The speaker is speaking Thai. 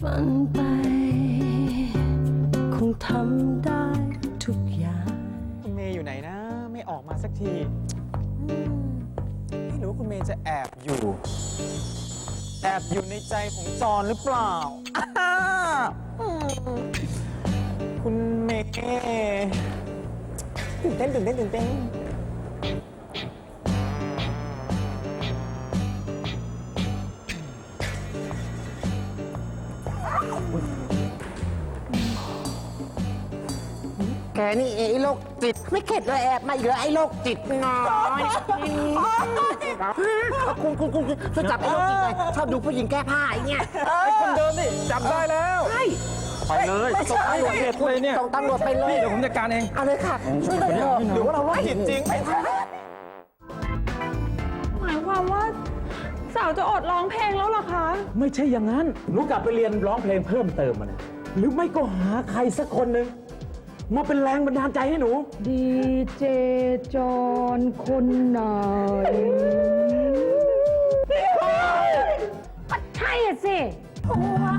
ฝันไปคงทำได้ทุกอย่างคุณเมย์อยู่ไหนนะ ไม่ออกมาสักทีไม่รู้คุณเมย์จะแอบอยู่ในใจของจอนหรือเปล่าคุณเมย์ตื่นเต้นแกนี่ไอ้โรคจิตไม่เข็ดเลยแอบมาอีกแล้วไอ้โรคจิตน้อยคุณช่วยจับไอ้โรคจิตหน่อยชอบดูผู้หญิงแก้ผ้าไอ้เนี่ยคนเดิมนี่จับได้แล้วใช่ไปเลยส่งตำรวจเด็ดเลยเนี่ยส่งตำรวจไปเลยนี่เดี๋ยวผมจัดการเองเอาเลยค่ะช่วยหน่อยเถอะหรือว่าเราโรคจิตจริงหมายความว่าสาวจะอดร้องเพลงแล้วเหรอคะไม่ใช่อย่างนั้น หนูกลับไปเรียนร้องเพลงเพิ่มเติมมาเนี่ยหรือไม่ก็หาใครสักคนหนึ่งมาเป็นแรงบันดาลใจให้หนูดีเจจอนคนไหนก็ใช่อะสิเพราะว่า